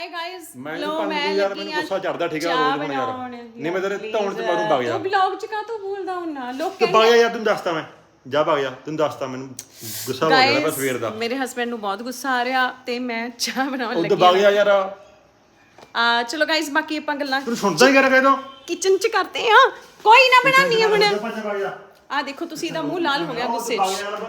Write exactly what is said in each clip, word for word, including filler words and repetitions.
Guys मैं लो तो मैं यार मैंने गुस्सा चढ़दा ठीक है रोज बन यार नहीं मैं तेरे ਧੌਣ ਚ ਮਾਰੂ ਵਗ ਜਾ तू ब्लॉग च का तो भूलदा हुन्ना लोग ਤੇ ਵਗ ਜਾ ਯਾਰ ਤੈਨੂੰ ਦੱਸਦਾ ਮੈਂ ਜਾ ਵਗ ਜਾ ਤੈਨੂੰ ਦੱਸਦਾ ਮੈਨੂੰ ਗੁੱਸਾ ਹੋ ਗਿਆ ਬਸ ਸਵੇਰ ਦਾ ਮੇਰੇ ਹਸਬੰਡ ਨੂੰ ਬਹੁਤ ਗੁੱਸਾ ਆ ਰਿਹਾ ਤੇ ਮੈਂ ਚਾਹ ਬਣਾਉਣ ਉਹ ਲੱਗੀ ਤੇ ਵਗ ਜਾ ਯਾਰ ਆ ਚਲੋ ਗਾਇਸ ਬਾਕੀ ਆਪਾਂ ਗੱਲਾਂ ਤੂੰ ਸੁਣਦਾ ਹੀ ਕਰ ਕਹਿ ਦੋ ਕਿਚਨ ਚ ਕਰਦੇ ਆ ਕੋਈ ਨਾ ਬਣਾਉਣੀ ਆ ਹੁਣ ਵਗ ਜਾ ਆ ਦੇਖੋ ਤੁਸੀਂ ਇਹਦਾ ਮੂੰਹ ਲਾਲ ਹੋ ਗਿਆ ਗੁੱਸੇ ਚ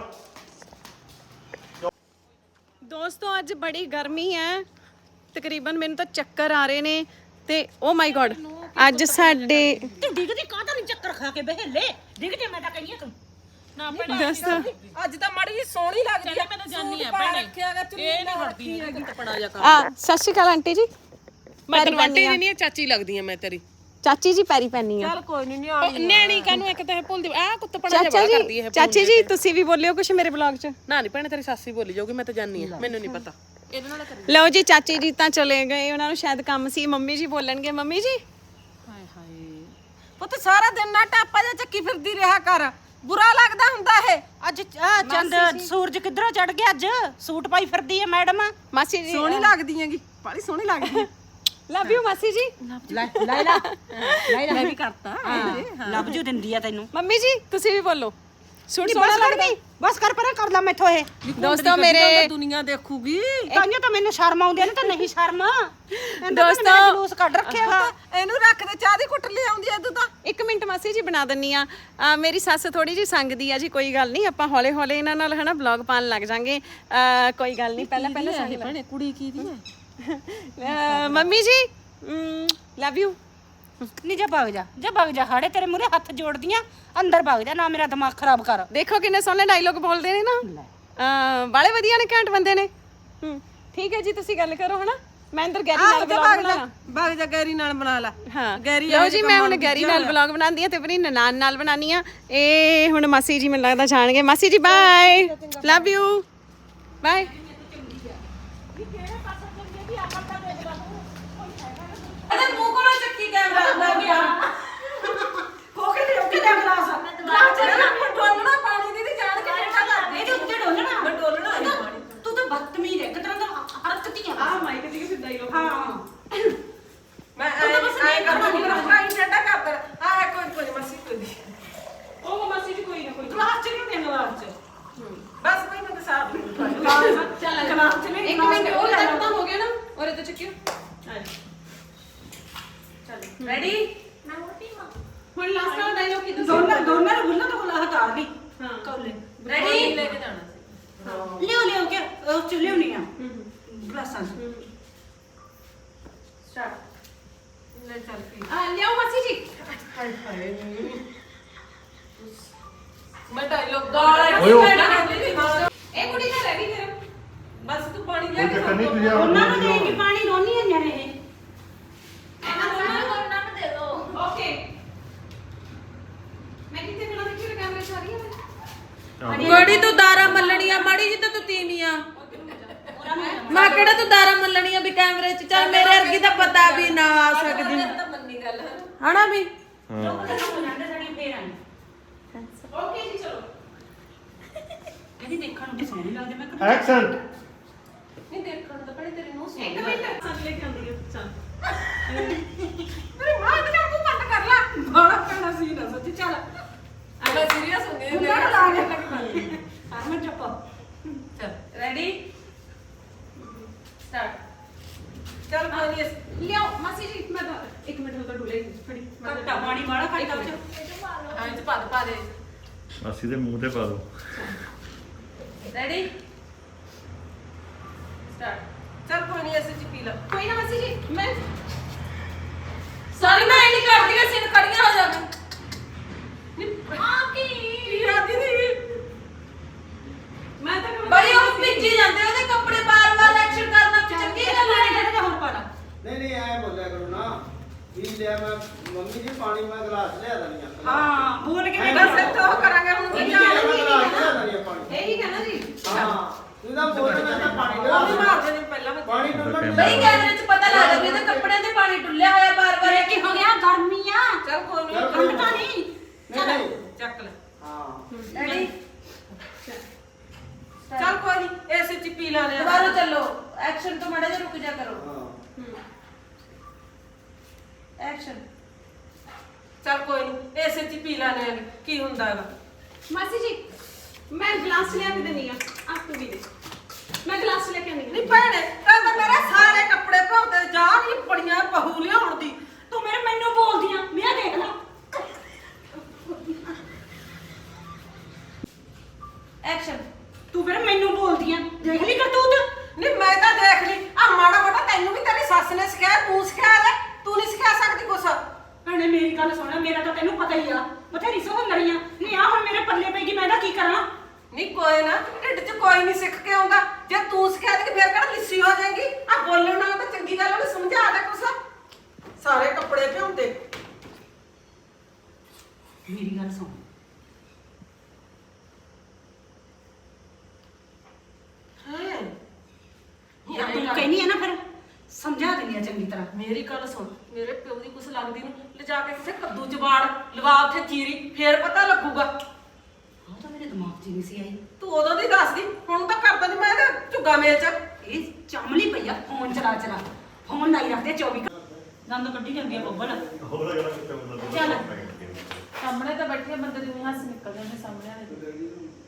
ਦੋਸਤੋ ਅੱਜ ਬੜੀ ਗਰਮੀ ਹੈ ਤਕਰੀਬਨ ਮੈਨੂੰ ਤਾਂ ਚੱਕਰ ਆ ਰਹੇ ਨੇ ਤੇ ਓ ਮਾਈ ਗॉड ਅੱਜ ਸਾਡੇ ਤੂੰ ਡਿੱਗਦੀ ਕਾਹਦਾ ਨਹੀਂ ਚੱਕਰ ਖਾ ਕੇ ਬਹਿਲੇ ਡਿੱਗ ਜੇ ਮੈਂ ਤਾਂ ਕਹੀਏ ਤੂੰ ਨਾ ਭੈਣੇ ਅੱਜ ਤਾਂ ਮਾੜੀ ਜੀ ਸੋਹਣੀ ਲੱਗਦੀ ਆ ਮੈਂ ਤਾਂ ਜਾਨੀ ਆ ਭੈਣੇ ਇਹ ਨਹੀਂ ਹਟਦੀ ਹੈਗੀ ਟਪੜਾ ਜਾ ਕਰ ਆ ਸਤਿ ਸ਼੍ਰੀ ਅਕਾਲ ਆਂਟੀ ਜੀ ਮੈਂ ਤਾਂ ਵਾਟੀ ਨਹੀਂ ਆ ਚਾਚੀ ਲੱਗਦੀ ਆ ਮੈਂ ਤੇਰੀ ਚਾਚੀ ਜੀ ਪੈਰੀ ਪੈਣੀ ਆ ਚੱਲ ਕੋਈ ਨਹੀਂ ਨਿਆਣੀ ਨਿਆਣੀ ਕਾਨੂੰ ਇੱਕ ਤਾਂ ਇਹ ਭੁੱਲਦੀ ਆ ਕੁੱਤ ਪੜਾ ਜਾ ਚਾਚਾ ਕਰਦੀ ਜੀ ਇਹ ਚਾਚੀ ਜੀ ਤੁਸੀਂ ਵੀ ਬੋਲਿਓ ਕੁਝ ਮੇਰੇ ਬਲੌਗ 'ਚ ਨਾ ਨਹੀਂ ਭੈਣੇ ਤੇਰੀ ਸਾਸੀ ਬੋਲੀ ਜਾਊਗੀ ਮੈਂ ਤਾਂ ਜਾਨੀ ਆ ਮੈਨੂੰ ਨਹੀਂ ਪਤਾ ਇਹਦੇ ਨਾਲ ਕਰੀ ਲਓ ਜੀ ਚਾਚੀ ਜੀ ਤਾਂ ਚਲੇ ਗਏ ਉਹਨਾਂ ਨੂੰ ਸ਼ਾਇਦ ਕੰਮ ਸੀ ਮੰਮੀ ਜੀ ਬੋਲਣਗੇ ਮੰਮੀ ਜੀ ਹਾਏ ਹਾਏ ਪੁੱਤ ਸਾਰਾ ਦਿਨ ਨਾ ਟਾਪਾ ਜਾਂ ਚੱਕੀ ਫਿਰਦੀ ਰਿਹਾ ਕਰ ਬੁਰਾ ਲੱਗਦਾ ਹੁੰਦਾ ਇਹ ਅੱਜ ਆਹ ਚੰਦ ਸੂਰਜ ਕਿੱਧਰੋਂ ਚੜ ਗਿਆ ਅੱਜ ਸੂਟ ਪਾਈ ਫਿਰਦੀ ਹੈ ਮੈਡਮ ਮਾਸੀ ਜੀ ਸੋਹਣੀ ਲੱਗਦੀ ਹੈਗੀ ਬੜੀ ਸੋਹਣੀ ਲੱਗਦੀ ਹੈ ਲਵ ਯੂ ਮਾਸੀ ਜੀ ਲੈ ਲੈ ਲੈ ਮੈਂ ਵੀ ਕਰਤਾ ਲੱਭ ਜੂ ਦਿੰਦੀ ਆ ਤੈਨੂੰ ਮੰਮੀ ਜੀ ਤੁਸੀਂ ਵੀ ਬੋਲੋ ਸੂਟ ਸੋਹਣਾ ਲੱਗਦਾ ਬਸ ਕਰ ਪਰਾਂ ਕਰ ਲਾ ਮੈਥੋਂ ਇਹ ਦੋਸਤੋ ਮੇਰੇ ਦੁਨੀਆ ਦੇਖੂਗੀ ਤਾਂਹੀਓ ਤਾਂ ਮੈਨੂੰ ਸ਼ਰਮ ਆਉਂਦੀ ਨੇ ਤਾਂ ਨਹੀਂ ਸ਼ਰਮ ਦੋਸਤੋ ਜਲੂਸ ਕੱਢ ਰੱਖਿਆ ਵਾ ਇਹਨੂੰ ਰੱਖ ਦੇ ਚਾਹ ਦੀ ਕੁੱਟ ਲੈ ਆਉਂਦੀ ਐ ਤੂੰ ਤਾਂ ਇੱਕ ਮਿੰਟ ਮਾਸੀ ਜੀ ਬਣਾ ਦਿੰਨੀ ਆ ਅਹ ਮੇਰੀ ਸੱਸ ਥੋੜੀ ਜੀ ਸੰਗਦੀ ਆ ਜੀ ਕੋਈ ਗੱਲ ਨਹੀਂ ਆਪਾਂ ਹੌਲੇ ਹੌਲੇ ਇਹਨਾਂ ਨਾਲ ਹਨਾ ਵਲੌਗ ਪਾਣ ਲੱਗ ਜਾਾਂਗੇ ਕੋਈ ਗੱਲ ਨਹੀਂ ਪਹਿਲਾਂ ਪਹਿਲਾਂ ਸੰਗ ਲੈ ਕੁੜੀ ਕੀ ਦੀ ਅਹ ਮੰਮੀ ਜੀ ਲਵ ਯੂ ਨਹੀਂ ਜਾ ਭਗ ਜਾ ਜਾ ਭਗ ਜਾ ਹਾੜੇ ਤੇਰੇ ਮੂਰੇ ਹੱਥ ਜੋੜਦੀਆਂ ਅੰਦਰ ਭਗ ਜਾ ਨਾ ਮੇਰਾ ਦਿਮਾਗ ਖਰਾਬ ਕਰ ਦੇਖੋ ਕਿੰਨੇ ਸੋਹਣੇ ਡਾਇਲੋਗ ਬੋਲਦੇ ਨੇ ਨਾ ਅਹ ਬਾਲੇ ਵਧੀਆ ਨੇ ਘੈਂਟ ਬੰਦੇ ਨੇ ਹੂੰ ਠੀਕ ਹੈ ਜੀ ਤੁਸੀਂ ਗੱਲ ਕਰੋ ਹਨਾ ਮੈਂ ਅੰਦਰ ਗੈਰੀ ਨਾਲ ਵਲੌਗ ਬਣਾਣਾ ਭਗ ਜਾ ਗੈਰੀ ਨਾਲ ਬਣਾ ਲੈ ਹਾਂ ਲਓ ਜੀ ਮੈਂ ਹੁਣ ਗੈਰੀ ਨਾਲ ਵਲੌਗ ਬਣਾਉਂਦੀ ਆ ਤੇ ਆਪਣੀ ਨਨਾਣ ਨਾਲ ਬਣਾਉਣੀ ਆ ਇਹ ਹੁਣ ਮਾਸੀ ਜੀ ਮੈਨੂੰ ਲੱਗਦਾ ਜਾਣਗੇ ਮਾਸੀ ਜੀ ਬਾਏ ਲਵ ਯੂ ਬਾਏ ਅਰੇ ਮੂੰਹ ਕੋਲੋਂ ਚੱਕੀ ਕੈਮਰਾ ਲੱਗ ਗਿਆ ਹੋ ਕੇ ਦੇ ਕੇ ਦੇ ਗਲਾਸ ਗਲਾਸ ਚ ਡੋਲਣਾ ਪਾਣੀ ਦੀ ਜਾਣ ਕੇ ਬੇਟਾ ਕਰਦੇ ਇਹਦੇ ਉੱਤੇ ਡੋਲਣਾ ਮੈਂ ਡੋਲਣਾ ਪਾਣੀ ਤੂੰ ਤਾਂ ਬਦਤਮੀਜ਼ ਹੈ ਇੱਕ ਤਰ੍ਹਾਂ ਦਾ ਹਰਕਤੀ ਆ ਆ ਮਾਈਕ ਦੀ ਸਿੱਧਾ ਹੀ ਹਾਂ ਮੈਂ ਐ ਕਰਦਾ ਨਹੀਂ ਕਰਦਾ ਇਹ ਡੰਡਾ ਕਰਦਾ ਆ ਕੋਈ ਕੋਈ ਮਸੀ ਕੋਈ ਦੀ ਉਹ ਮਸੀ ਜੀ ਕੋਈ ਨਾ ਕੋਈ ਗਲਾਸ ਚ ਨਹੀਂ ਦੇਣਾ ਗਲਾਸ ਚ ਬਸ ਕੋਈ ਮੈਂ ਤਾਂ ਸਾਫ ਚੱਲ ਗਲਾਸ ਚ ਨਹੀਂ ਇੱਕ ਮਿੰਟ ਉਹ ਤੱਕ ਤਾਂ ਹੋ ਗਿਆ ਨਾ ਔਰੇ ਤੋਂ ਚੱਕਿਓ ਰੈਡੀ ਹੁਣ ਲਾਸਟ ਵਾਲਾ ਡਾਇਲੋਗ ਕੀ ਦੱਸੋ ਦੋਨਾਂ ਦੋਨਾਂ ਨੂੰ ਬੁੱਲਾ ਤੋਂ ਬੁੱਲਾ ਹਟਾ ਦੀ ਹਾਂ ਕੌਲੇ ਰੈਡੀ ਲੈ ਕੇ ਜਾਣਾ ਸੀ ਲਿਓ ਲਿਓ ਕੇ ਉਹ ਚ ਲਿਓ ਨਹੀਂ ਆ ਗਲਾਸਾਂ ਚ ਸਟਾਰਟ ਲੈ ਚੱਲ ਪੀ ਆ ਲਿਆਓ ਮਾਸੀ ਜੀ ਹਾਏ ਹਾਏ ਮੈਂ ਡਾਇਲੋਗ ਓਏ ਓ ਇਹ ਕੁੜੀ ਤਾਂ ਰੈਡੀ ਫਿਰ ਬਸ ਤੂੰ ਪਾਣੀ ਲੈ ਕੇ ਚੱਕਰ ਨਹੀਂ ਤੁਸੀਂ ਆ ਉਹਨਾਂ ਨੂੰ ਦੇ ਕੇ ਪਾਣੀ ਰੋਣੀ ਹੈ ਨੇ ਇਹ ਓਕੇ ਮੈਂ ਕਿਤੇ ਬਿਨਾਂ ਦੇਖੀ ਕੈਮਰੇ ਚ ਆ ਰਹੀ ਹਾਂ ਬੜੀ ਤੂੰ ਦਾਰਾ ਮੱਲਣੀ ਆ ਮਾੜੀ ਜੀ ਤਾਂ ਤੂੰ ਤੀਵੀਂ ਆ ਮੈਂ ਕਿਹੜਾ ਤੂੰ ਦਾਰਾ ਮੱਲਣੀ ਆ ਵੀ ਕੈਮਰੇ 'ਚ ਚੱਲ ਮੇਰੇ ਵਰਗੀ ਤਾਂ ਪਤਾ ਵੀ ਨਾ ਆ ਸਕਦੀ ਤਾਂ ਮੰਨੀ ਗੱਲ ਹੈ ਹਨਾ ਵੀ ਓਕੇ ਜੀ ਚਲੋ ਇਹਦੀ ਦੇਖਣ ਨੂੰ ਸੋਹਣੀ ਲੱਗਦੀ ਮੈਂ ਐਕਸੈਂਟ ਨਹੀਂ ਦੇਖਣ ਨੂੰ ਤਾਂ ਬੜੀ ਤੇਰੀ ਨੂੰ ਇੱਕ ਮਿੰਟ ਸੱਚ ਲੈ ਕੇ ਆਉਂਦੀ ਹੈ ਚੱਲ ਮੇਰੀ ਮਾਂ ਤੇ ਤੂੰ ਕੱਟ ਕਰ ਲਾ ਬੜਾ ਪੈਣਾ ਸੀ ਨਾ ਸੱਚੀ ਚੱਲ ਆ ਮੈਂ ਸੀਰੀਅਸ ਹੋ ਗਈ ਮੈਂ ਲਾ ਕੇ ਲੱਗ ਪਈ ਹਰਮਨ ਚੁੱਪ ਚੱਲ ਰੈਡੀ ਸਟਾਰਟ ਚੱਲ ਕੋਈ ਨਹੀਂ ਲਿਆਓ ਮਾਸੀ ਜੀ ਮੈਂ ਤਾਂ ਇੱਕ ਮਿੰਟ ਹੋ ਤਾਂ ਡੁੱਲੇ ਫੜੀ ਕੱਟਾ ਪਾਣੀ ਵਾਲਾ ਕੱਟਾ ਵਿੱਚ ਹਾਂ ਇਹ ਚ ਪਾ ਦੇ ਪਾ ਦੇ ਅਸੀਂ ਦੇ ਮੂੰਹ ਤੇ ਪਾ ਦੋ ਰੈਡੀ ਸਟਾਰਟ ਚੱਲ ਕੋਈ ਨਹੀਂ ਐਸੇ ਚ ਪੀ ਲਾ ਕੋਈ ਨਾ ਮਾਸੀ ਜੀ ਮੈਂ ਸਾਰੀ ਮੈਂ ਨਹੀਂ ਕਰਦੀ ਐ ਸਿਰ ਖੜੀਆਂ ਹੋ ਜਾਵੇ ਆ ਕੀ ਯਾਦੀ ਦੀ ਮੈਂ ਤਾਂ ਬਈ ਉਹ ਭਿੱਜੀ ਜਾਂਦੇ ਉਹਦੇ ਕੱਪੜੇ ਬਾਰ-ਬਾਰ ਐਕਸ਼ਨ ਕਰਨਾ ਚੰਗੀ ਗੱਲ ਹੈ ਜਿਹੜਾ ਹੋਰ ਪਾ ਲਾ ਨਹੀਂ ਨਹੀਂ ਐ ਬੋਲਿਆ ਕਰੋ ਨਾ ਵੀ ਲਿਆ ਮੈਂ ਮੰਮੀ ਜੀ ਪਾਣੀ ਮੈਂ ਗਲਾਸ ਲਿਆ ਦਣੀ ਆ ਹਾਂ ਬੋਲ ਕੇ ਨਹੀਂ ਬਸ ਇੱਥੇ ਉਹ ਕਰਾਂਗੇ ਹੁਣ ਮੰਮੀ ਕੀ ਜੀ ਜਾਣ ਮੈਂ ਗਲਾਸ ਲਿਆ ਦਣੀ ਆ ਪਾਣੀ ਇਹੀ ਕਹਿਣਾ ਜੀ ਹਾਂ ਤੂੰ ਤਾਂ ਬੋਲ ਮੈਂ ਤਾਂ ਪਾਣੀ ਉਹ ਵੀ ਲਿਆ ਮਾਰ ਦੇ ਪਹਿਲਾਂ ਮੈਂ ਪਾਣੀ ਡੁੱਲਣ ਬਈ ਕੈਮਰੇ 'ਚ ਪਤਾ ਲੱਗ ਗਿਆ ਤੇ ਕੱਪੜਿਆਂ ਤੇ ਪਾਣੀ ਡੁੱਲਿਆ ਹੋਇਆ ਬਾਰ-ਬਾਰ ਕੀ ਹੋ ਗਿਆ ਗਰਮੀ ਆ ਚੱਲ ਕੋਈ ਨਹੀਂ ਚੱਲ ਕੋਈ ਠੰਡ ਤਾਂ ਨਹੀਂ ਨਹੀਂ ਨਹੀਂ ਚੱਕ ਲੈ ਹਾਂ ਰੈਡੀ ਚੱਲ ਕੋਈ ਨਹੀਂ ਐਸੇ ਚ ਪੀ ਲਾ ਲਿਆ ਦੁਬਾਰਾ ਚੱਲੋ ਐਕਸ਼ਨ ਤੋਂ ਮੜਾ ਜਿਹਾ ਰੁਕ ਜਾ ਕਰੋ ਹਾਂ ਲਾਂਗੇ ਕੀ ਹੁੰਦਾ ਹੈਗਾ। ਮਾਸੀ ਜੀ ਮੈਂ ਗਲਾਸ ਲਿਆ ਕੇ ਦਿੰਨੀ ਆ ਆਪ ਤੂੰ ਵੀ ਦੇ ਮੈਂ ਗਲਾਸ ਲੈ ਕੇ ਆਉਂਦੀ ਨਹੀਂ ਭੈਣੇ ਤਾਂ ਤਾਂ ਮੇਰੇ ਸਾਰੇ ਕੱਪੜੇ ਭੌਂਦੇ ਜਾ ਨਹੀਂ ਬੜੀਆਂ ਬਹੂ ਲਿਆਉਣ ਦੀ ਤੂੰ ਮੇਰੇ ਮੈਨੂੰ ਬੋਲਦੀ ਆ ਮੈਂ ਦੇਖ ਲਾ ਐਕਸ਼ਨ। ਤੂੰ ਫਿਰ ਮੈਨੂੰ ਬੋਲਦੀ ਆ ਦੇਖ ਲਈ ਕਰਤੂਤ ਨਹੀਂ ਮੈਂ ਤਾਂ ਦੇਖ ਲਈ ਆ ਮਾੜਾ ਮੋਟਾ ਤੈਨੂੰ ਵੀ ਤੇਰੀ ਸੱਸ ਨੇ ਸਿਖਾਇਆ ਤੂੰ ਸਿਖਾਇਆ ਲੈ ਤੂੰ ਨਹੀਂ ਸਿਖਾ ਸਕਦੀ ਕੁਛ ਭੈਣੇ ਮੇਰੀ ਗੱਲ ਸੁਣ ਮੇਰਾ ਤਾਂ ਤੈਨੂੰ ਪਤਾ ਹੀ ਆ ਬਥੇਰੀ ਸੋਹਣ ਲੜੀਆਂ ਨਹੀਂ ਆ ਹੁਣ ਮੇਰੇ ਪੱਲੇ ਪੈਗੀ ਮੈਂ ਇਹਦਾ ਕੀ ਕਰਾਂ ਨਹੀਂ ਕੋਈ ਨਾ ਢਿੱਡ 'ਚ ਕੋਈ ਨਹੀਂ ਸਿੱਖ ਕੇ ਆਉਂਦਾ ਜੇ ਤੂੰ ਸਿਖਾ ਦੇ ਫਿਰ ਕਿਹੜਾ ਲਿੱਸੀ ਹੋ ਜਾਏਗੀ ਆ ਬੋਲਣ ਨਾਲ ਤਾਂ ਚੰਗੀ ਗੱਲ ਉਹਨੂੰ ਸਮਝਾ ਦੇ ਕੁਛ ਸਾਰੇ ਕੱਪੜੇ ਭਿਉਂਦੇ ਮੇਰੀ ਗੱਲ ਸੁਣ ਹਾਂ ਯਾਰ ਤੂੰ ਕਹਿਨੀ ਹੈ ਨਾ ਫਿਰ ਸਮਝਾ ਦਿੰਦੀ ਆ ਚੰਗੀ ਤਰ੍ਹਾਂ ਮੇਰੀ ਗੱਲ ਸੁਣ ਮੇਰੇ ਪਿਓ ਦੀ ਕੁਛ ਲੱਗਦੀ ਨੂੰ ਲਿਜਾ ਕੇ ਕਿਸੇ ਕੱਦੂ ਚ ਬਾੜ ਲਵਾ ਉੱਥੇ ਚੀਰੀ ਫੇਰ ਪਤਾ ਲੱਗੂਗਾ ਉਹ ਤਾਂ ਮੇਰੇ ਦਿਮਾਗ 'ਚ ਨਹੀਂ ਸੀ ਆਈ ਤੂੰ ਉਦੋਂ ਦੀ ਦੱਸਦੀ ਹੁਣ ਤਾਂ ਕਰਦਾ ਨਹੀਂ ਮੈਂ ਇਹਦਾ ਝੁੱਗਾ ਮੇਚ ਇਹ ਚਮਲੀ ਪਈਆ ਫੋਨ ਚਲਾ ਚਲਾ ਫੋਨ ਲਾਈ ਰੱਖਦੇ ਚੌਵੀ ਦੰਦ ਕੱਢੀ ਜਾਂਦੀ ਆ ਬੱਬਲ ਹੋਰ ਅਗਲਾ ਕਿਤੇ ਮਤਲਬ ਚੱਲ। ਸਾਹਮਣੇ ਤਾਂ ਬੈਠੇ ਬੰਦੇ ਦੇ ਮੂੰਹ ਹੱਸ ਨਿਕਲ ਜਾਂਦੇ ਸਾਹਮਣੇ ਵਾਲੇ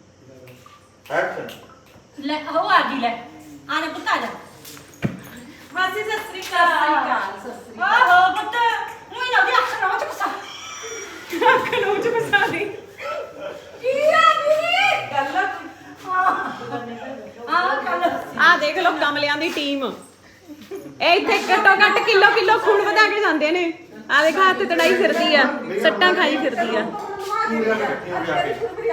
ਐਕਸ਼ਨ ਲੈ ਉਹ ਆ ਗਈ ਲੈ ਆ ਲੈ ਪੁੱਤ ਆ ਜਾ ਮਾਸੀ ਸਤਿ ਸ੍ਰੀ ਅਕਾਲ। ਸਤਿ ਸ੍ਰੀ ਅਕਾਲ ਆਹੋ ਪੁੱਤ ਉਹੀ ਨਾ ਦੀ ਅੱਖ ਨਾ ਚ ਕੁਸਾ ਅੱਖ ਨਾ ਚ ਕੁਸਾ ਦੀ ਕੀ ਆ ਨੀ ਗੱਲ ਆ ਗੱਲ ਆ ਦੇਖ ਲਓ ਕਮਲਿਆਂ ਦੀ ਟੀਮ ਇਹ ਇੱਥੇ ਘੱਟੋ ਘੱਟ ਕਿਲੋ ਕਿਲੋ ਖੂਨ ਵਧਾ ਕੇ ਜਾਂਦੇ ਨੇ ਆ ਦੇਖ ਹੱਥ ਤੜਾਈ ਫਿਰਦੀ ਆ ਸੱਟਾਂ ਖਾਈ ਫਿਰਦੀ ਆ ਪੂਰੀਆਂ ਇਕੱਠੀਆਂ ਹੋ ਜਾ ਕੇ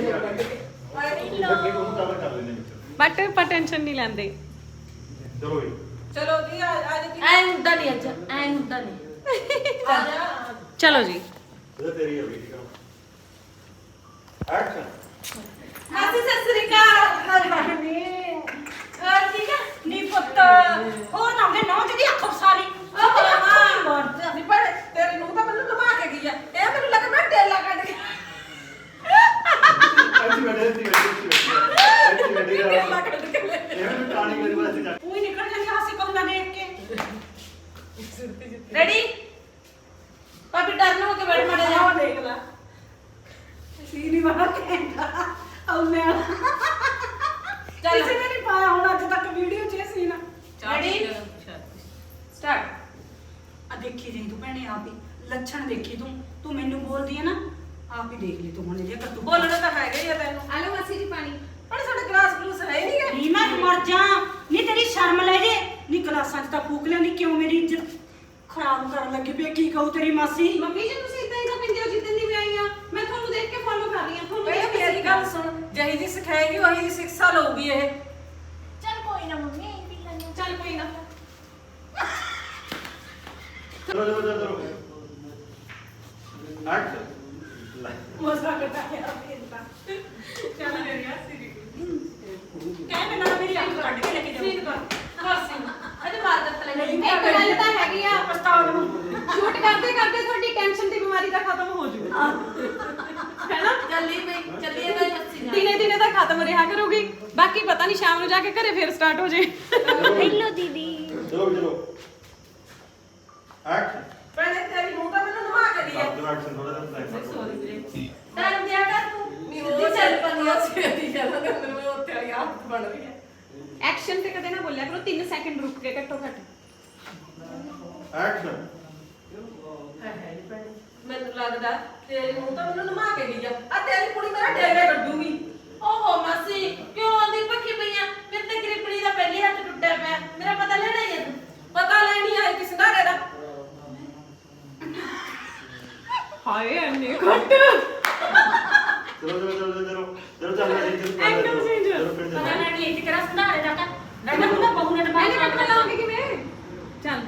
ਅੱਗੇ ਉਹਨੂੰ ਕਵਰ ਕਰ ਲੈਂਦੇ ਵਿੱਚ ਬਟ ਪਰ ਟੈਨਸ਼ਨ ਨਹੀਂ ਲੈਂਦੇ ਚਲੋ ਜੀ ਚਲੋ ਜੀ ਆ ਆ ਜੀ ਐ ਹੁੰਦਾ ਨਹੀਂ ਅੱਜ ਐ ਹੁੰਦਾ ਨਹੀਂ। ਆ ਜਾ ਚਲੋ ਜੀ ਇਹ ਤੇਰੀ ਹੈ ਵੀ ਠੀਕ ਆ ਐਕਸ਼ਨ ਮਾਸੀ ਸਤਿ ਸ੍ਰੀ ਅਕਾਲ। ਹੋਰ ਠੀਕ ਆ ਨੀ ਪੁੱਤ ਹੋਰ ਨਾ ਦੇ ਨੌ ਜਿਹੜੀ ਅੱਖ ਫਸਾਲੀ ਉਹ ਮਾਂ ਮਰਦ ਨਹੀਂ ਪਰ ਤੇਰੀ ਨੂੰ ਤਾਂ ਮੈਨੂੰ ਲਵਾ ਕੇ ਗਈ ਆ ਇਹ ਮੈਨੂੰ ਲੱਗ ਮੈਂ ਟੇਲਾ ਕੱਢ ਕੇ ਐਸੀ ਬੈਠੇ ਐਸੀ ਬੈਠੇ ਐਸੀ ਬੈਠੇ ਟੇਲਾ ਕੱਢ ਕੇ ਲੈ ਇਹ ਵੀ ਟਾਣੀ ਕਰੀ ਵਾਸਤੇ ਜਾ ਉਹੀ ਨਿਕਲ ਜਾਂਦੀ ਹਾਸੀ ਕੌਣਾ ਦੇਖ ਕੇ ਰੈਡੀ ਪਾਪੀ ਟਰਨ ਹੋ ਕੇ ਬੈਠ ਮੜੇ ਜਾ। ਆਹ ਦੇਖ ਲੈ ਸੀਨੀ ਵਾਲਾ ਕਹਿੰਦਾ ਆਉਨੇ ਆ ਚੱਲ। ਕਿਸੇ ਨੇ ਨਹੀਂ ਪਾਇਆ ਹੁਣ ਅੱਜ ਤੱਕ ਵੀਡੀਓ 'ਚ ਇਹ ਸੀਨ ਰੈਡੀ ਸਟਾਰਟ। ਆ ਦੇਖੀ ਜਾਈ ਤੂੰ ਭੈਣੇ ਆਪ ਹੀ ਲੱਛਣ ਦੇਖੀ ਤੂੰ ਤੂੰ ਮੈਨੂੰ ਬੋਲਦੀ ਹੈ ਨਾ ਆਪ ਹੀ ਦੇਖ ਲਈ ਤੂੰ ਹੁਣ ਇਹ ਕਰ ਤੂੰ ਬੋਲਣਾ ਤਾਂ ਹੈਗਾ ਹੀ ਆ ਤੈਨੂੰ ਆਲੋ ਮਾਸੀ ਜੀ ਪਾਣੀ ਪਰ ਸਾਡਾ ਗਲਾਸ ਗਲੂਸ ਹੈ ਨਹੀਂ ਗਾ ਨੀ ਮੈਂ ਮਰ ਜਾ ਨਹੀਂ ਤੇਰੀ ਸ਼ਰਮ ਲੈ ਜੇ ਨੀ ਗਲਾਸਾਂ 'ਚ ਤਾਂ ਫੂਕ ਲਿਆਂਦੀ ਕਿਉਂ ਮੇਰੀ ਇੱਜ਼ਤ ਖਰਾਬ ਕਰਨ ਲੱਗੀ ਪਈ ਕੀ ਕਹੂ ਤੇਰੀ ਮਾਸੀ ਮੰਮੀ ਜੀ ਤੁਸੀਂ ਇਦਾਂ ਹੀ ਤਾਂ ਪਿੰਦੇ ਹੋ ਜਿੱਦਣ ਦੀ ਮੈਂ ਆਈ ਆ ਮੈਂ ਤੁਹਾਨੂੰ ਦੇਖ ਕੇ ਫੋਲੋ ਕਰ ਰਹੀ ਆ ਤੁਹਾਨੂੰ ਬਈ ਦੇਖ ਕੇ ਮੇਰੀ ਗੱਲ ਸੁਣ ਜਹੀ ਦੀ ਸਿਖਾਏਗੀ ਉਹੀ ਦੀ ਸਿੱਖਿਆ ਲਊਗੀ ਇਹ ਚੱਲ ਕੋਈ ਨਾ ਮੰਮੀ ਇਹ ਪੀ ਲੈਣੇ ਚੱਲ ਕੋਈ ਨਾ ਚਲੋ ਚਲੋ ਚਲੋ ਐਕਸ਼ਨ ਮਜ਼ਾ ਕਰਦਾ ਹੈ ਆਪਣਾ ਚੱਲ ਮੇਰੀ ਹਾਸੀ ਕਹਿ ਮੈਂ ਨਾ ਮੇਰੀ ਅੱਖ ਕੱਢ ਕੇ ਲੈ ਕੇ ਸੀਨ ਜਾਊਂ ਕਰ ਕਰ ਸੀਨ ਅਜੇ ਮਾਰ ਦਿੱਤਾ ਲੈ ਨਹੀਂ ਇੱਕ ਗੱਲ ਤਾਂ ਹੈਗੀ ਆ ਪਛਤਾਉਣ ਨੂੰ ਸ਼ੂਟ ਕਰਦੇ ਕਰਦੇ ਤੁਹਾਡੀ ਟੈਨਸ਼ਨ ਦੀ ਬਿਮਾਰੀ ਤਾਂ ਖਤਮ ਹੋ ਜੂ ਹੈਨਾ ਚੱਲੀ ਬਈ ਚੱਲੀਏ ਤਾਂ ਹੱਸੀ ਜਾ। ਦਿਨੇ ਦਿਨੇ ਤਾਂ ਖਤਮ ਰਿਹਾ ਕਰੂਗੀ ਬਾਕੀ ਪਤਾ ਨਹੀਂ ਸ਼ਾਮ ਨੂੰ ਜਾ ਕੇ ਘਰੇ ਫੇਰ ਸਟਾਰਟ ਹੋ ਜੇ ਹੈਲੋ ਦੀਦੀ ਚਲੋ ਚਲੋ ਐਕਸ਼ਨ ਪਹਿਲੇ ਤੇਰੀ ਮੂੰਹ ਤਾਂ ਮੈਨੂੰ ਨਵਾ ਕੇ ਦੀ ਹੈ ਆਪਣਾ ਐਕਸ਼ਨ ਥੋੜਾ ਜਿਹਾ ਟਾਈਮ ਸੌਰੀ ਵੀਰੇ ਟਾਈਮ ਦਿਆ ਕਰ ਤੂੰ ਨਹੀਂ ਸਿੱਧੀ ਚੱਲ ਪੰਨੀ ਆ ਸਿੱਧੀ ਚੱਲ ਮੈਨੂੰ ਉੱਥੇ ਵਾਲੀ ਆਦਤ ਬਣ ਰਹੀ ਹੈ ਐਕਸ਼ਨ ਤੇ ਕਦੇ ਨਾ ਬੋਲਿਆ ਕਰੋ ਤਿੰਨ ਸੈਕਿੰਡ ਰੁਕ ਕੇ ਘੱਟੋ ਘੱਟ ਐਕਸ਼ਨ ਮੈਨੂੰ ਲੱਗਦਾ ਤੇਰੀ ਮੂੰਹ ਤਾਂ ਮੈਨੂੰ ਨਵਾ ਕੇ ਗਈ ਆ ਆ ਤੇਰੀ ਕੁੜੀ ਮੇਰਾ ਡੇਰੇ ਕੱਢੂਗੀ ਓਹੋ ਮਾਸੀ ਕਿਉਂ ਆਂਦੀ ਪੱਕੀ ਪਈਆਂ ਮੇਰੇ ਤੇ ਗ੍ਰਿਪਣੀ ਦਾ ਪਹਿਲੀ ਹੱਥ ਟੁੱਟਿਆ ਪਿਆ ਮੇਰਾ ਪਤਾ ਲੈਣਾ ਹੀ ਹੈ ਤੂੰ ਪਤਾ ਲੈਣੀ ਆਈ ਕਿਸ ਨਾਰੇ ਦਾ ਹਾਏ ਐਨੇ ਘੱਟ ਚਲੋ ਚਲੋ ਚਲੋ ਚਲੋ ਚਲੋ ਚੱਲ ਰਿਹਾ ਜੀ Actor change। ਚਲੋ ਫਿਰ ਪਤਾ ਚੱਲ ਲੈਣੀ ਆਈ ਕਿ ਕਿਹੜਾ ਸੰਧਾਰੇ ਦਾ ਕਰ ਰਹਿਣਾ ਹੁੰਦਾ ਬਹੂ ਨੇ ਮੈਂ ਦਿਮਾਗ ਨਹੀਂ ਲਾਉਂਗੀ ਕਿਵੇਂ ਚੱਲ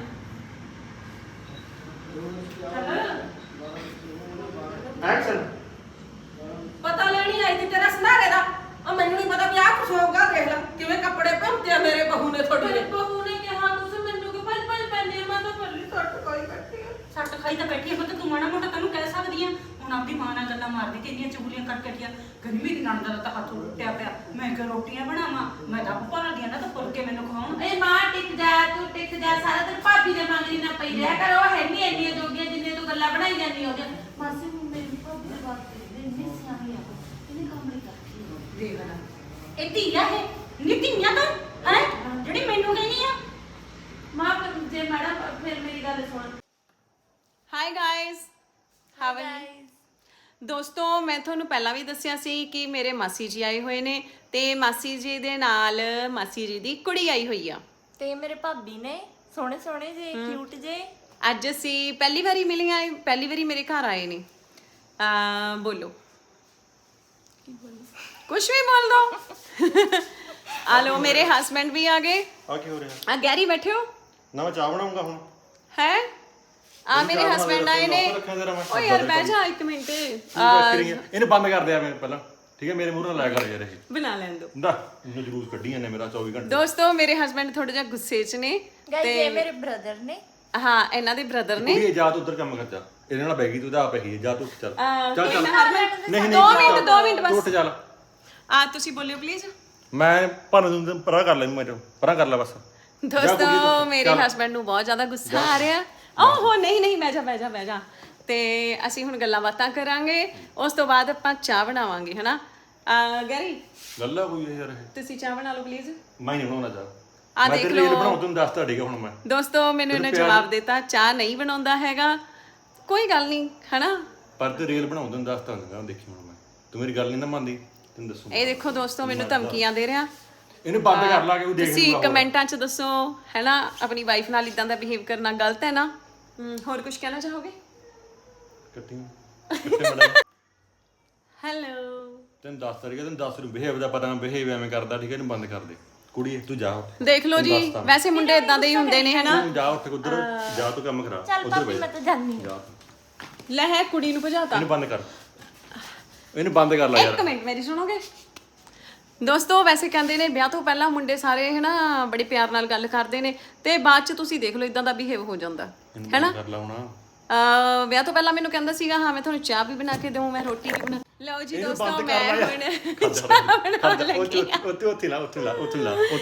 ਐਕਸ਼ਨ ਪਤਾ ਲੈਣੀ ਆਈ ਸੀ ਤੇਰਾ ਸੰਧਾਰੇ ਦਾ ਆ ਮੈਨੂੰ ਨਹੀਂ ਪਤਾ ਵੀ ਆਹ ਕੁਛ ਹੋਊਗਾ ਦੇਖ ਲੈ ਕਿਵੇਂ ਕੱਪੜੇ ਭੰਤੇ ਆ ਮੇਰੇ ਬਹੂ ਨੇ ਤੁਹਾਡੇ ਮੇਰੇ ਨੇ ਬਹੂ ਨੇ ਕਿਹਾ ਤੁਸੀਂ ਮੈਨੂੰ ਕਿ ਪਲ ਪਲ ਪੈਂਦੇ ਮੈਂ ਤਾਂ ਪੱਲੀ ਸੱਟ ਕੋਈ ਕੱਟੀ ਸੱਟ ਖਾਈ ਤਾਂ ਬੈਠੀ ਆ ਪੁੱਤ ਤੂੰ ਮਾੜਾ ਮੋਟਾ ਤੈਨੂੰ ਕਹਿ ਸਕਦੀ ਆ ਹੁਣ ਆਪਦੀ ਮਾਂ ਨਾਲ ਗੱਲਾਂ ਮਾਰਦੀ ਤੇ ਇੰਨੀਆਂ ਚੁਗਲੀਆਂ ਕਰ ਕੱਟੀਆਂ ਗੰਦੀ ਮੇਰੀ ਨਣਦ ਦਾ ਤਾਂ ਹੱਥ ਟੁੱਟਿਆ ਪਿਆ ਮੈਂ ਕਿ ਰੋਟੀਆਂ ਬਣਾਵਾਂ ਮੈਂ ਤਾਂ ਭਾਲਦੀ ਆ ਨਾ ਤਾਂ ਫੁਲਕੇ ਮੈਨੂੰ ਖਵਾਉਣ ਏ ਮਾਂ ਟਿਕ ਜਾ ਤੂੰ ਟਿਕ ਜਾ ਸਾਰਾ ਦਿਨ ਭਾਬੀ ਦੇ ਮੰਗਰੀ ਨਾ ਪਈ ਰਿਹਾ ਕਰ ਉਹ ਹੈ ਨਹੀਂ ਇੰਨੀਆਂ ਜੋਗੀਆਂ ਜਿੰਨੇ ਤੂੰ ਗੱਲਾਂ ਬਣਾਈ ਜਾਂਦੀ ਹੋ ਮਾਸੀ ਹੁਣ ਮੇਰੀ ਭਾਬੀ ਇਹ ਧੀਆ ਹੈ ਨਿਤੀਆਂ ਤਾਂ ਹੈ ਜਿਹੜੀ ਮੈਨੂੰ ਕਹਿੰਦੀ ਆ ਮਾਂ ਜੇ ਮੈਡਮ ਫਿਰ ਮੇਰੀ ਗੱਲ ਸੁਣ। ਹਾਈ ਗਾਇਸ ਹਾਵ ਆਰ ਦੋਸਤੋ ਮੈਂ ਤੁਹਾਨੂੰ ਪਹਿਲਾਂ ਵੀ ਦੱਸਿਆ ਸੀ ਕਿ ਮੇਰੇ ਮਾਸੀ ਜੀ ਆਏ ਹੋਏ ਨੇ ਤੇ ਮਾਸੀ ਜੀ ਦੇ ਨਾਲ ਮਾਸੀ ਜੀ ਦੀ ਕੁੜੀ ਆਈ ਹੋਈ ਆ ਤੇ ਮੇਰੇ ਭਾਬੀ ਨੇ ਸੋਹਣੇ ਸੋਹਣੇ ਜੇ ਕਿਊਟ ਜੇ ਅੱਜ ਅਸੀਂ ਪਹਿਲੀ ਵਾਰੀ ਮਿਲੀਆਂ ਇਹ ਪਹਿਲੀ ਵਾਰੀ ਮੇਰੇ ਘਰ ਆਏ ਨੇ ਆ ਬੋਲੋ ਕੁਝ ਵੀ ਬੋਲ ਦੋ ਆ ਲੋ ਮੇਰੇ ਹਸਬੰਡ ਵੀ ਆ ਗਏ ਆ ਕੀ ਹੋ ਰਿਹਾ ਆ ਗੈਰੀ ਬੈਠੇ ਹੋ ਨਾ ਮੈਂ ਚਾਹ ਬਣਾਉਂਗਾ ਹੁਣ ਹੈ ਆ ਮੇਰੇ ਹਸਬੰਡ ਆਏ ਨੇ ਓ ਯਾਰ ਬਹਿ ਜਾ ਇੱਕ ਮਿੰਟ ਇਹਨੂੰ ਬੰਦ ਕਰ ਦਿਆ ਮੈਂ ਪਹਿਲਾਂ ਠੀਕ ਹੈ ਮੇਰੇ ਮੂੰਹ ਨਾਲ ਲਾਇਆ ਕਰ ਯਾਰ ਇਹ ਬਣਾ ਲੈਣ ਦੋ ਨਾ ਇਹਨੂੰ ਜਲੂਸ ਕੱਢੀਆਂ ਨੇ ਮੇਰਾ ਚੌਵੀ ਘੰਟੇ ਦੋਸਤੋ ਮੇਰੇ ਹਸਬੰਡ ਥੋੜਾ ਜਿਹਾ ਗੁੱਸੇ 'ਚ ਨੇ ਗਾਇਸ ਇਹ ਮੇਰੇ ਬ੍ਰਦਰ ਨੇ ਹਾਂ ਇਹਨਾਂ ਦੇ ਬ੍ਰਦਰ ਨੇ ਕੁੜੀ ਜਾ ਤੂੰ ਉਧਰ ਕੰਮ ਕਰ ਜਾ ਇਹਦੇ ਨਾਲ ਬੈਗੀ ਤੂੰ ਤਾਂ ਆਪ ਹੀ ਜਾ ਤੂੰ ਚੱਲ ਅਹ, ਚੱਲ ਕੋਈ ਚੱਲ ਨਾ ਹਰਮਨ, ਨਹੀਂ ਨਹੀਂ ਦੋ ਮਿੰਟ ਦੋ ਮਿੰਟ ਤੂੰ ਬਸ ਉੱਠ ਚੱਲ ਆ ਤੁਸੀਂ ਬੋਲਿਓ ਪਲੀਜ਼ ਮੈਂ ਭਾਵੇਂ ਤੂੰ ਪਰਾਂ ਕਰ ਲੈ ਮੈਨੂੰ ਪਰਾਂ ਕਰ ਲੈ ਬਸ ਦੋਸਤੋ ਮੇਰੇ ਹਸਬੰਡ ਨੂੰ ਬਹੁਤ ਜ਼ਿਆਦਾ ਗੁੱਸਾ ਆ ਰਿਹਾ ਓਹੋ ਨਹੀਂ ਨਹੀਂ ਬਹਿ ਜਾ ਬਹਿ ਜਾ ਬਹਿ ਜਾ ਤੇ ਅਸੀਂ ਹੁਣ ਗੱਲਾਂ ਬਾਤਾਂ ਕਰਾਂਗੇ ਉਸ ਤੋਂ ਬਾਅਦ ਆਪਾਂ ਚਾਹ ਬਣਾਵਾਂਗੇ ਹਨਾ ਅਹ, ਗੈਰੀ ਗੱਲਾਂ ਕੋਈ ਯਾਰ ਇਹ ਤੁਸੀਂ ਚਾਹ ਬਣਾ ਲਓ ਪਲੀਜ਼ ਮੈਂ ਨਹੀਂ ਬਣਾਉਣਾ ਜਾ ਆ ਮੈਂ ਦੇਖ ਤੇ ਲਓ। ਰੀਲ ਬਣਾਉਂ ਤੈਨੂੰ ਦੱਸਤਾ ਠੀਕ ਹੁਣ ਮੈਂ ਦੋਸਤੋ ਮੈਨੂੰ ਇਹਨੇ ਜਵਾਬ ਦਿੱਤਾ ਚਾਹ ਨਹੀਂ ਬਣਾਉਂਦਾ ਹੈਗਾ ਕੋਈ ਗੱਲ ਨਹੀਂ ਹਨਾ ਪਰ ਤੇ ਰੀਲ ਬਣਾਉਂ ਤੈਨੂੰ ਦੱਸਤਾ ਹੁੰਦਾ ਦੇਖੀ ਹੁਣ ਮੈਂ ਤੂੰ ਮੇਰੀ ਗੱਲ ਨਹੀਂ ਨਾ ਮੰਨਦੀ ਤੈਨੂੰ ਦੱਸੂ ਇਹ ਦੇਖੋ ਦੋਸਤੋ ਮੈਨੂੰ ਧਮਕੀਆਂ ਦੇ ਰਿਹਾ ਇਹਨੂੰ ਬੰਦ ਕਰ ਲਾ ਕੇ ਉਹ ਦੇਖ ਤੁਸੀਂ ਕਮੈਂਟਾਂ 'ਚ ਦੱਸੋ ਹੈਨਾ ਆਪਣੀ ਵਾਈਫ ਨਾਲ ਇਦਾਂ ਦਾ ਬਿਹੇਵ ਕਰਨਾ ਗਲਤ ਹੈ ਨਾ ਹਮ, ਹੋਰ ਕੁਝ ਕਹਿਣਾ ਚਾਹੋਗੇ ਕੱਟੀ ਕੱਟੇ ਮੜਾ ਹੈਲੋ ਤੈਨੂੰ ਦੱਸਤਾ ਠੀਕ ਹੈ ਤੈਨੂੰ ਦੱਸ ਨੂੰ ਬਿਹੇਵ ਦਾ ਪਤਾ ਬਿਹੇਵ ਐਵੇਂ ਕਰਦਾ ਠੀਕ ਹੈ ਇਹਨੂੰ ਬੰਦ ਕਰ ਦੇ ਕੁੜੀ ਤੂੰ ਜਾ ਉੱਠ ਦੇਖ ਲਓ ਜੀ ਵੈਸੇ ਮੁੰਡੇ ਇਦਾਂ ਦੇ ਹੀ ਹੁੰਦੇ ਨੇ ਹੈਨਾ ਤੂੰ ਜਾ ਉੱਠ ਉਧਰ ਜਾ ਤੂੰ ਕੰਮ ਕਰਾ ਚੱਲ ਉਧਰ ਭਾਬੀ ਮੈਂ ਤਾਂ ਜਾਨੀ ਜਾ ਲੈ ਹੈ ਕੁੜੀ ਨੂੰ ਭਜਾਤਾ ਇਹਨੂੰ ਬੰਦ ਕਰ ਇਹਨੂੰ ਬੰਦ ਕਰ ਲੈ ਯਾਰ ਇੱਕ ਮਿੰਟ ਮੇਰੀ ਸੁਣੋਗੇ ਦੋਸਤੋ ਵੈਸੇ ਕਹਿੰਦੇ ਨੇ ਵਿਆਹ ਤੋਂ ਪਹਿਲਾਂ ਮੁੰਡੇ ਸਾਰੇ ਹੈਨਾ ਬੜੇ ਪਿਆਰ ਨਾਲ ਗੱਲ ਕਰਦੇ ਨੇ ਤੇ ਬਾਅਦ 'ਚ ਤੁਸੀਂ ਦੇਖ ਲਓ ਇਦਾਂ ਦਾ ਬਿਹੇਵ ਹੋ ਜਾਂਦਾ ਇਹਨੂੰ ਹੈਨਾ ਬੰਦ ਕਰ ਲਾ ਹੁਣ ਅਹ ਵਿਆਹ ਤੋਂ ਪਹਿਲਾਂ ਮੈਨੂੰ ਕਹਿੰਦਾ ਸੀਗਾ ਹਾਂ ਮੈਂ ਤੁਹਾਨੂੰ ਚਾਹ ਵੀ ਬਣਾ ਕੇ ਦੇਵਾਂ ਮੈਂ ਰੋਟੀ ਵੀ ਬਣਾ ਲਓ ਜੀ ਇਹਨੂੰ ਦੋਸਤੋ ਬੰਦ ਮੈਂ ਕਰ ਲਾ ਹੁਣ ਯਾਰ ਚਾਹ ਬਣਾਉਣ ਉੱਥੇ ਲੱਗੀ ਉੱਥੇ ਉੱਥੇ ਲਾ ਉੱਥੇ ਲਾ ਉੱਥੇ ਲਾ